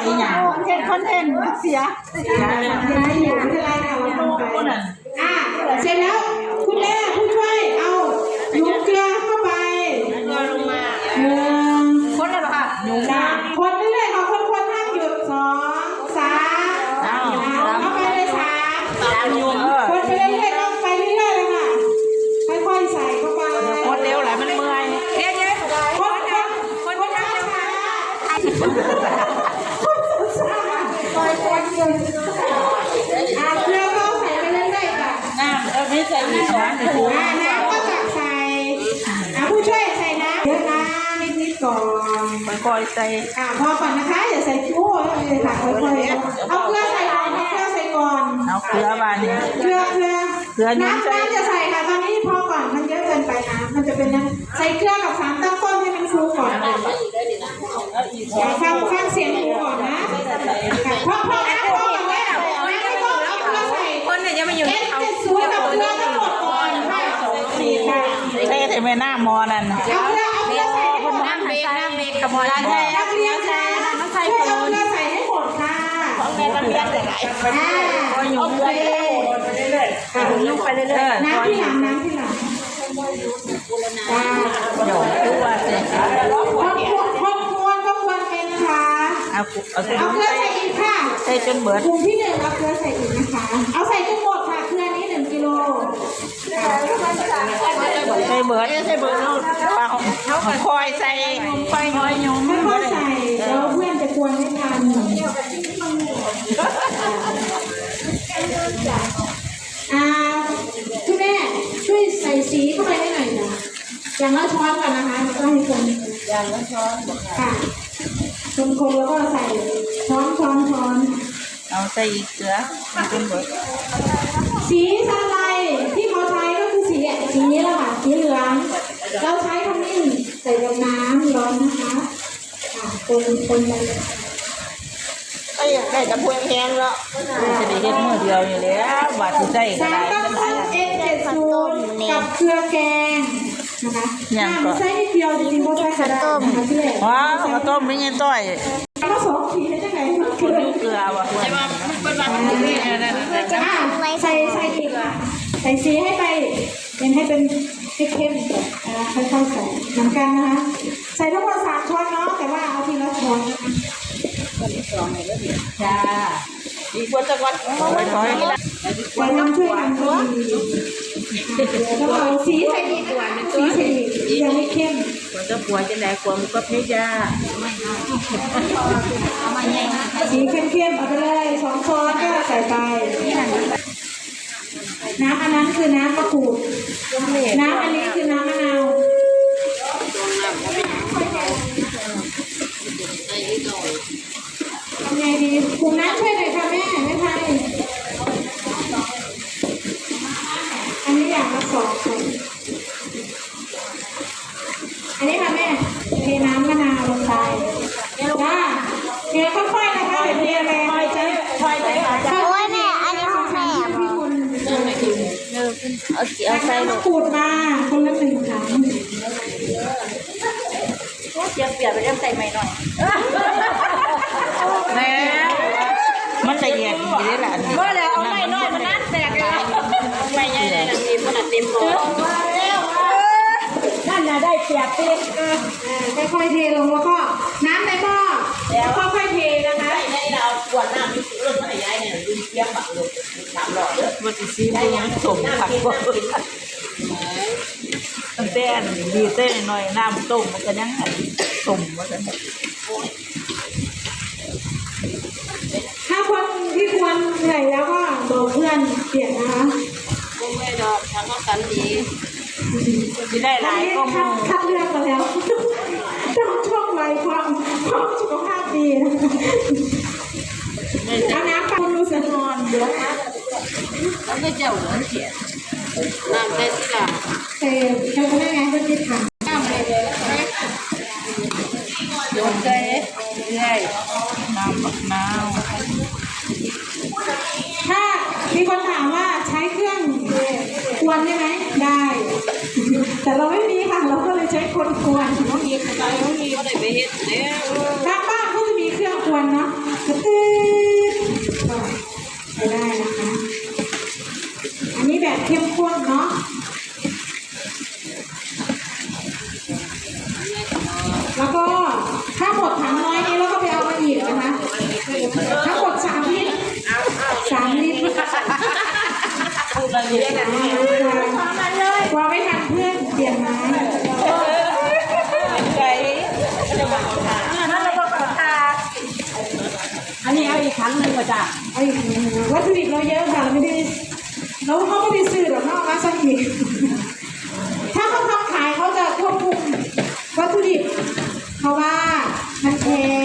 อีหยังคอนเทนต์เสียอยู่ไม่เป็นไรค่ะเราทำไปเสร็จแล้วคุณแม่ผู้ช่วยเอาหยุมเกลือเข้าไปคนเลยเหรอคะคนเรื่อยๆค่ะคนห้ามหยุด2 3เข้าไปเลย3คนไปเรื่อยๆต้องไปเรื่อยๆเลยค่ะค่อยๆใส่เข้าไปคนเร็วแหละมันเมื่อยคนช้าๆคนช้าเกลือก็ใส่ไปเรื่อยๆค่ะน้ำไม่ใส่อีกช้อนหนึ่งน้ำก็จะใส่ผู้ช่วยใส่น้ำเยอะนะนิดๆก่อนค่อยๆใส่พอก่อนนะคะอย่าใส่โอ้เลยค่ะค่อยๆเอาเกลือใส่ก่อนเอาเกลือใส่ก่อนเอาเกลือบานนี้เกลือน้ำจะใส่ค่ะตอนนี้พอก่อนมันเยอะเกินไปนะมันจะเป็นน้ำใส่เกลือกับสารตั้งต้นให้มันฟูก่อนฟังเสียงฟูก่อนนะพอก่อนแล้วไม่ต้องเอาเกลือใส่คนเนี่ยยังไม่อยู่เอาสูตรกับเกลือทั้งหมดก่อนค่ะใช่แต่ไม่น่ามอนั่นเอาเกลือใส่ให้หมดน้ำเบรกกับมอนั่นใช่นักเรียนค่ะเอาเกลือใส่ให้หมดค่ะของแม่นักเรียนแต่ไหนก็อยู่เรื่อยๆลูกไปเรื่อยๆน้ำที่หลังเดี๋ยวดูว่าเสร็จคนเป็นนะคะเอาเกลือใส่อีกค่ะใส่จนเบิดกลุ่มที่1เอาเกลือใส่อีกนะคะเอาใส่จนหมดค่ะเกลือนี้1 กิโลใส่เบิดลูกเปล่าคอยใส่คอยน้อยยมค่อยใส่แล้วเพื่อนจะกวนไม่ทันคุณแม่ช่วยใส่สีเข้าไปให้หน่อยนะอย่างละช้อนก่อนนะคะแล้วก็ให้คนอย่างละช้อนค่ะคนแล้วก็ใส่ช้อนเอาใส่อีกเกลือเป็นเบิดสีอะไรที่เขาใช้ก็คือสีนี้แหละค่ะสีเหลืองเราใช้ขมิ้นใส่กับน้ำร้อนนะคะคนไปไอ้ได้กับพวกแพงแล้วจะได้เห็นมือเดียวอยู่แล้วบาดใจก็ได้3 ต้นกับเกลือแกงนะคะใช้นิดเดียวจริงๆเพราะใช้กระต้มว้าวกระต้มไม่เงี้ยต้อยผสมสีให้ได้ไงเกลือว่ะใช่ไหมเป็นแบบนี้ใส่อีกใส่สีให้ไปเป็นให้เป็นเข้มๆค่อยๆใส่เหมือนกันนะคะใส่ทั้งหมด3 ช้อนเนาะแต่ว่าเอาทีละช้อนจ้าอีกคนจะวัดไว้ถอยไว้น้ำช่วยกันก็ดีแล้วเอาสีใส่อีกยังไม่เข้มคนจะป่วยจะไหนควรก็เพชรยาสีเข้มๆเอาไปเลย2 ช้อนก็ใส่ไปน้ำอันนั้นคือน้ำมะกรูดน้ำอันนี้คือน้ำมะนาวทำไงดีคุณน้ำช่วยหน่อยค่ะแม่ไทยอันนี้อย่างละ2 คนอันนี้ค่ะแม่เทน้ำมะนาวลงไปจ้าเทค่อยๆนะคะเทแรงค่อยใช้โอ้ยแม่อันนี้ของแม่พี่คุณเอาใส่มะกรูดมาคนละ1 ถังเปลี่ยนไปเริ่มใส่ใหม่หน่อยแม่มันละเอียดดีเลยล่ะก็เลยเอาไม่น้อยมันนั่นแตกเลยไม่ใหญ่เลยนะทีมันเต็มหมดนั่นน่ะได้เปียกติดค่อยๆเทลงแล้วก็น้ำในหม้อแล้วค่อยๆเทนะคะได้เราขวดน้ำมีรถอะไรย้ายเนี่ยยืนเทียบแบบรถ3 หลอดเยอะมันจะซีได้ยังสมผักว่าตั้งแต่ดีเต้หน่อยน้ำต้มมันก็ยังสมว่าจะถ้าคนที่ควรเหนื่อยแล้วก็บอกเพื่อนเปลี่ยนนะคะไม่ดอกทั้งก็กันดีที่ได้หลายก็คัดเลือกมาแล้วต้องช่วงวัยความสุขภาพดีเอาน้ำปั่นดูสนอนเดี๋ยวแล้วก็เจ้าหัวเขียนน้ำได้ที่ละเขาไม่ไงก็จะทำน้ำเลยโยนใจเรื่อยน้ำบักนาวถ้ามีคนถามว่าใช้เครื่องควรได้ไหมได้แต่เราไม่มีค่ะเราก็เลยใช้คนควรต้องมีอะไรต้องมีก็ได้ไปเฮ็ดเนี่ยบางบ้านก็จะมีเครื่องควรเนาะกระตือก็ใช้ได้นะคะ อันนี้แบบเข้มข้นเนาะแล้วก็ถ้าหมดถังน้อยนี้เราก็ไปเอามาอีกนะคะทั้งหมด3 ลิตร3 ลิตรกลัวไม่ทันเพื่อนเปลี่ยนไม้อันนี้เอาอีกครั้งหนึ่งมาจ้ะเอาอีกวัตถุดิบเราเยอะค่ะเราไม่ได้เขาไม่ได้ซื้อหรอกเนาะมาสักทีถ้าเขาทำขายเขาจะควบคุมวัตถุดิบเพราะว่ามันแพง